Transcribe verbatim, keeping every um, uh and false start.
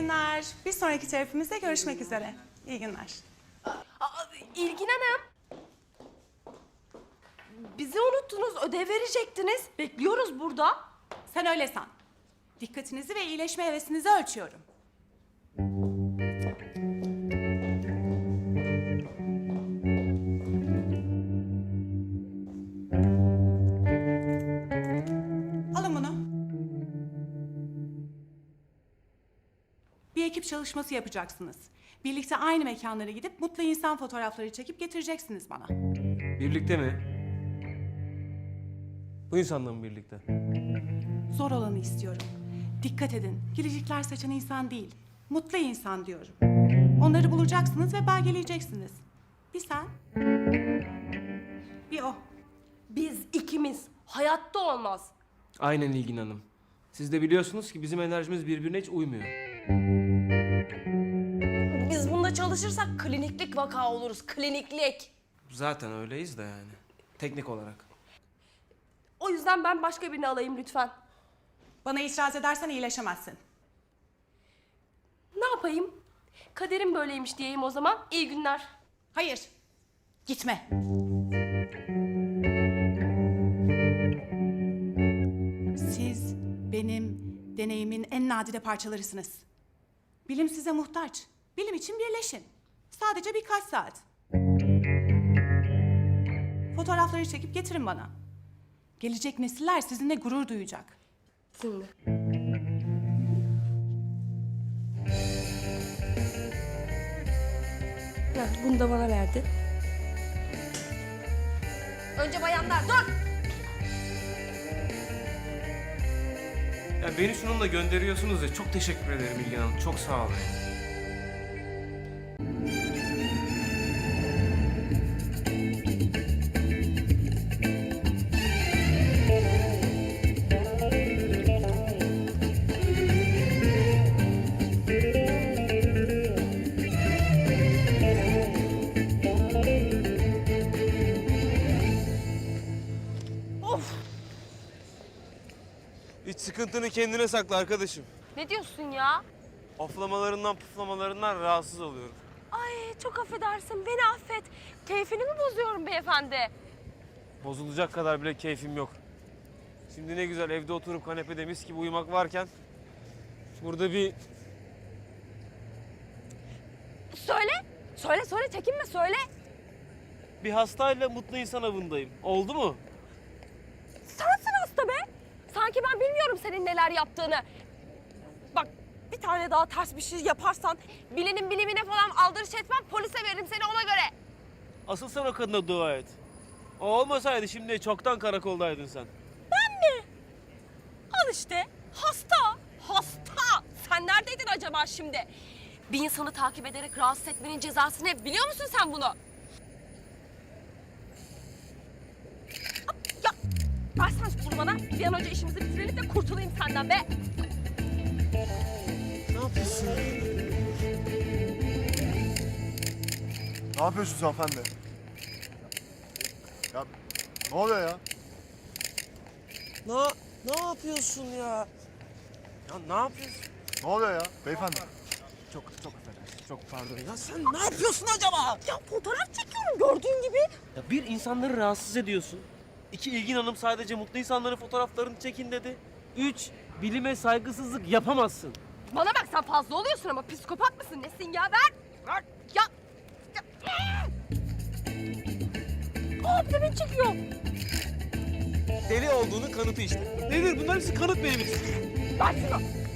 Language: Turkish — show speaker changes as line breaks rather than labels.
günler. Bir sonraki terapimizde görüşmek üzere. İyi günler.
Aa, İlgin Hanım. Bizi unuttunuz, ödev verecektiniz. Bekliyoruz burada.
Sen öyle san. Dikkatinizi ve iyileşme hevesinizi ölçüyorum. Alın bunu. Bir ekip çalışması yapacaksınız. Birlikte aynı mekanlara gidip mutlu insan fotoğrafları çekip getireceksiniz bana.
Birlikte mi? Bu insanla mı birlikte?
Zor olanı istiyorum. Dikkat edin. Gülücükler saçan insan değil. Mutlu insan diyorum. Onları bulacaksınız ve belgeleyeceksiniz. Bir sen, bir o.
Biz ikimiz. Hayatta olmaz.
Aynen İlgin Hanım. Siz de biliyorsunuz ki bizim enerjimiz birbirine hiç uymuyor.
Biz bunda çalışırsak kliniklik vaka oluruz. Kliniklik.
Zaten öyleyiz de yani. Teknik olarak.
O yüzden ben başka birini alayım lütfen.
Bana itiraz edersen iyileşemezsin.
Ne yapayım? Kaderim böyleymiş diyeyim o zaman. İyi günler.
Hayır, gitme. Siz benim deneyimin en nadide parçalarısınız. Bilim size muhtaç. Bilim için birleşin. Sadece birkaç saat. Fotoğrafları çekip getirin bana. Gelecek nesiller sizinle gurur duyacak.
Şimdi. Heh, bunu da bana verdi. Önce bayanlar dur.
Ya beni şununla gönderiyorsunuz ya, çok teşekkür ederim İlgin Hanım. Çok sağ olun. Hiç sıkıntını kendine sakla arkadaşım.
Ne diyorsun ya?
Oflamalarından puflamalarından rahatsız oluyorum.
Ay çok affedersin, beni affet. Keyfini mi bozuyorum beyefendi?
Bozulacak kadar bile keyfim yok. Şimdi ne güzel evde oturup kanepede mis gibi uyumak varken... burada bir...
Söyle, söyle söyle, çekinme söyle.
bir hastayla mutlu insan avındayım. Oldu mu?
Sensin hasta be. Sanki ben bilmiyorum senin neler yaptığını. Bak bir tane daha ters bir şey yaparsan bilinin bilimine falan aldırış etmem, polise veririm seni ona göre.
Asıl sen o kadına dua et. O olmasaydı şimdi çoktan karakoldaydın sen.
Ben mi? Al işte hasta, hasta. Sen neredeydin acaba şimdi? Bir insanı takip ederek rahatsız etmenin cezası ne? Biliyor musun sen bunu? Ya versen bunu bana. Bir an önce işimizi bitirelim de kurtulayım senden be.
Ne yapıyorsun?
Ne yapıyorsunuz hanımefendi? Ya ne oluyor ya?
Ne, ne yapıyorsun ya? Ya ne yapıyorsun?
Ne oluyor ya beyefendi?
Çok çok affedersin. Çok pardon. Ya sen ne yapıyorsun acaba?
Ya fotoğraf çekiyorum gördüğün gibi.
Ya bir, insanları rahatsız ediyorsun. İki, İlgin Hanım sadece mutlu insanların fotoğraflarını çekin dedi. Üç, bilime saygısızlık yapamazsın.
Bana bak sen fazla oluyorsun ama psikopat mısın nesin ya ver. Ver. Ya. ya. Aa bir de beni çekiyor.
Deli olduğunu kanıtı işte. Nedir bunlar hepsi kanıt benim için.
Ver şunu.